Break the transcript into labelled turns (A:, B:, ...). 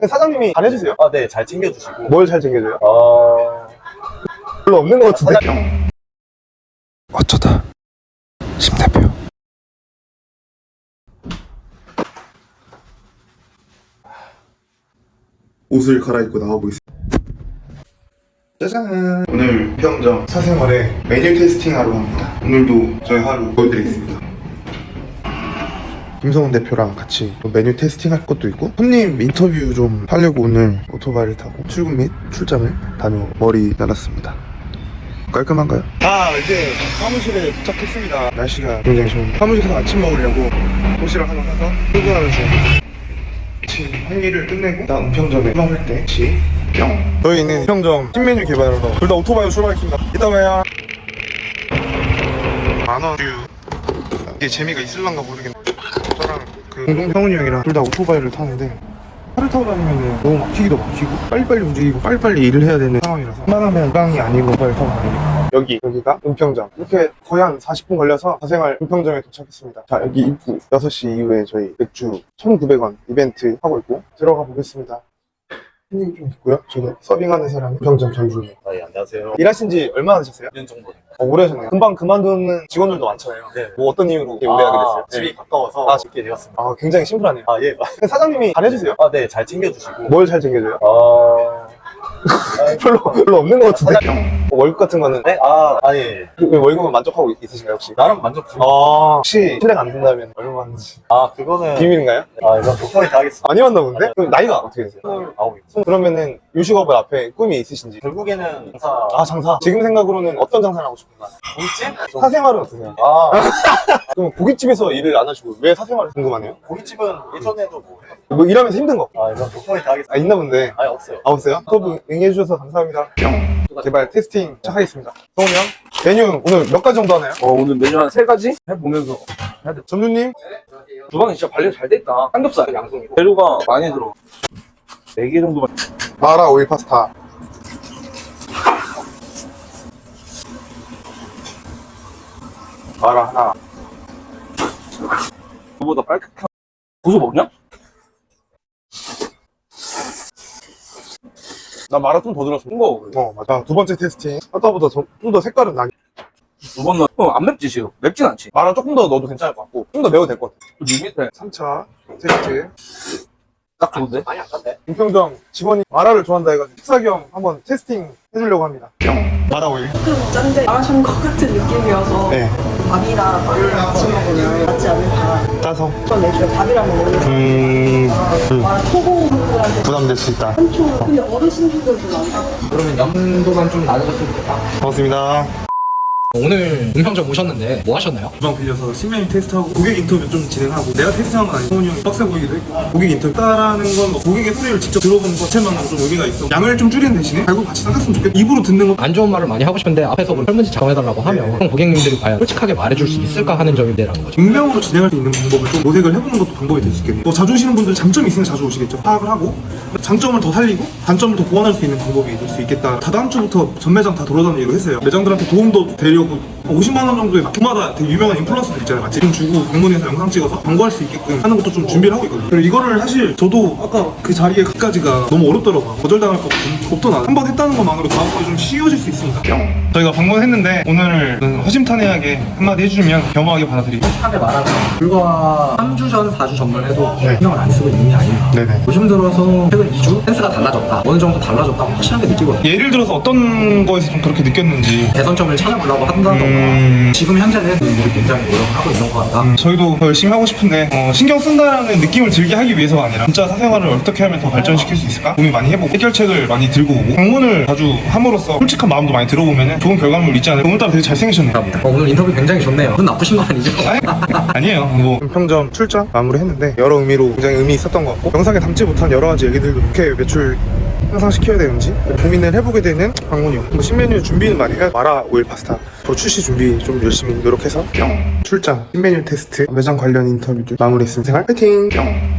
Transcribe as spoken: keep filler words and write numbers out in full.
A: 사장님이 잘 해주세요?
B: 아, 네, 잘 챙겨주시고.
A: 뭘 잘 챙겨줘요?
B: 어,
A: 별로 없는 것 같은데. 어쩌다 심 대표. 옷을 갈아입고 나와보겠습니다. 짜잔! 오늘 평점 사생활에 메뉴 테스팅하러 갑니다. 오늘도 저희 하루 보여드리겠습니다. 김성훈 대표랑 같이 메뉴 테스팅할 것도 있고 손님 인터뷰 좀 하려고 오늘 오토바이를 타고 출근 및 출장을 다녀 머리 날았습니다. 깔끔한가요? 아, 이제 사무실에 도착했습니다. 날씨가 굉장히 좋은데 사무실에서 아침 먹으려고 도시락 하나 사서 출근하면서 회의를 끝내고 나 은평점에 출발할 때 같이 뿅! 저희는 은평점 신메뉴 개발하러 둘 다 오토바이로 출발했습니다. 이따 봐요. 만원 뷰. 이게 재미가 있을란가 모르겠네. 저랑 그 공동 형훈이 형이랑 둘 다 오토바이를 타는데 차를 타고 다니면 너무 막히기도 막히고 빨리빨리 움직이고 빨리빨리 일을 해야 되는 상황이라서 웬만하면 빵이 아니고 빨리 타고 다닙니다. 여기 여기가 은평점. 이렇게 거의 한 사십 분 걸려서 사생활 은평점에 도착했습니다. 자, 여기 입구 여섯 시 이후에 저희 맥주 천구백 원 이벤트 하고 있고 들어가 보겠습니다. 손님 좀 있고요. 저는 서빙하는 사람 은평점 전주입니다.
B: 아, 예, 안녕하세요.
A: 일하신 지 얼마나 되셨어요?
B: 일 년 정도.
A: 어, 오래 하셨네요. 금방 그만두는 직원들도 많잖아요.
B: 네.
A: 뭐 어떤 이유로 이렇게 오래 하게 됐어요?
B: 집이
A: 네.
B: 가까워서
A: 아,
B: 쉽게 되었습니다.
A: 아, 굉장히 심플하네요.
B: 아, 예.
A: 사장님이 잘 해주세요?
B: 아, 네, 잘 챙겨주시고.
A: 뭘 잘 챙겨줘요?
B: 어,
A: 별로 별로 없는 것 같은데. 뭐 월급 같은 거는
B: 네? 아, 아니, 예.
A: 왜 월급은 만족하고 있으신가요 혹시?
B: 나름 만족 중.
A: 아, 혹시 실례가 안 된다면 얼마인지
B: 아, 그거는.
A: 비밀인가요?
B: 아, 이건 독하게 다 하겠습니다.
A: 아니었나 본데? 그럼 나이가 어떻게 되세요?
B: 스물아홉입니다.
A: 그러면은 요식업을 앞에 꿈이 있으신지?
B: 결국에는 장사.
A: 아, 장사. 지금 생각으로는 어떤 장사를 하고 싶은가요?
B: 고깃집?
A: 사생활은 어떠세요?
B: 아,
A: 그럼 고깃집에서 일을 안 하시고 왜 사생활을 궁금하네요?
B: 고깃집은 예전에도 뭐.
A: 뭐 일하면서 힘든 거?
B: 아, 이건 독하게 다 하겠습니다.
A: 아, 있나 본데.
B: 아니, 없어요.
A: 아, 없어요? 수업 응해주셔서 감사합니다. 개발 테스팅 시작하겠습니다. 성훈이 형, 메뉴 오늘 몇 가지 정도 하나요?
C: 어, 오늘 메뉴 한 세 가지 해보면서 해야 돼.
A: 점주님?
C: 주방이 진짜 관리 잘 돼있다. 삼겹살 양송이고. 재료가 많이 들어. 네 개 정도만.
A: 마라 오일 파스타. 마라 하나.
C: 그보다 빨갛게. 고소 먹냐?
A: 나 마라 좀 더 들었어.
C: 거.
A: 어, 맞아. 두 번째 테스팅. 아까보다 좀 더 색깔은 나게.
C: 두 번 넣어. 어, 안 맵지, 지금. 맵진 않지.
A: 마라 조금 더 넣어도 괜찮을 것 같고, 좀 더 매워도 될 것 같아.
C: 이 밑에
A: 삼 차 테스트.
C: 딱 좋은데?
B: 많이 안 갔네.
A: 은평점 직원이 마라를 좋아한다 해가지고 식사 겸 한번 테스팅 해주려고 합니다. 마라 오일.
D: 조금 짠데 마라샹 것 같은 느낌이어서
A: 네.
D: 밥이랑 마라랑 같이 먹으면 맞지 않을까.
A: 짜서.
D: 그런 애초에 밥이랑 먹으면
A: 음,
D: 마라 초보분들한테
A: 부담될 수 있다.
D: 한초 근데 어르신분들도 많아.
E: 그러면 염도만 좀 낮아졌으면 좋겠다.
A: 고맙습니다.
E: 오늘 은평점 오셨는데 뭐 하셨나요?
A: 주방 빌려서 신메뉴 테스트하고 고객 인터뷰 좀 진행하고 내가 테스트한 건 아니고 성훈이 형이 빡세 보이기도 했고 고객 인터뷰 따라는 건뭐 고객의 소리를 직접 들어보는 것 자체만으로 좀 의미가 있어. 양을 좀 줄이는 대신에 결국 같이 닦았으면 좋겠다. 입으로 듣는 거
E: 안 좋은 말을 많이 하고 싶은데 앞에서 뭐 설문지 작성해달라고 하면 그럼 고객님들이 과연 솔직하게 말해줄 수 있을까 하는 점인데라는 거죠.
A: 익명으로 진행할 수 있는 방법을 좀 모색을 해보는 것도 방법이 될 수 있겠네요. 또 자주 오시는 분들은 장점이 있으면 자주 오시겠죠. 파악을 하고 장점을 더 살리고 단점을 더 보완할 수 있는 방법이 될 수 있겠다. 다다음 주부터 전 매장 다 돌아다니기로 했어요. 매장들한테 도움도 되려고 오십만 원 정도의 마켓마다 되게 유명한 인플루언서들 있잖아요. 지금 주고 방문해서 영상 찍어서 광고할 수 있게끔 하는 것도 좀 준비를 하고 있거든요. 그리고 이거를 사실 저도 아까 그 자리에 가까지가 너무 어렵더라고요. 거절당할 것 같은 겁도 나요. 한 번 했다는 것만으로 다음번에 좀 쉬워질 수 있으니까. 저희가 방문했는데 오늘 허심탄회하게 한마디 해주시면 겸허하게 받아들이고.
E: 하게 말하면 불과 삼 주 전, 사 주 전만 해도 신경을 안 쓰고 있는 게 아닌가.
A: 네네.
E: 요즘 들어서 최근 이 주 센스가 달라졌다. 어느 정도 달라졌다고 확실하게 느끼거든요.
A: 예를 들어서 어떤 거에서 좀 그렇게 느꼈는지.
E: 개선점을 찾아보려고 한다던가
A: 음...
E: 지금 현재는 우리 굉장히 노력을 하고 있는 것 같다.
A: 음, 저희도 더 열심히 하고 싶은데 어, 신경 쓴다라는 느낌을 들게 하기 위해서가 아니라 진짜 사생활을 어떻게 하면 더 발전시킬 수 있을까 고민 많이 해보고 해결책을 많이 들고 오고 방문을 자주 함으로써 솔직한 마음도 많이 들어보면 좋은 결과물 있지 않을까. 오늘따라 되게 잘생기셨네요.
E: 어, 오늘 인터뷰 굉장히 좋네요. 눈 나쁘신 건 아니죠?
A: 아니에요. 뭐 은평점 출장 마무리했는데 여러 의미로 굉장히 의미 있었던 것 같고 영상에 담지 못한 여러 가지 얘기들도 어떻게 매출 향상시켜야 되는지 고민을 해보게 되는 방문이요. 뭐 신메뉴 준비는 많이 해요. 마라 오일 파스타 더 출시 준비 좀 열심히 노력해서 출장 신메뉴 테스트 매장 관련 인터뷰 좀 마무리했습니다. 생활 파이팅!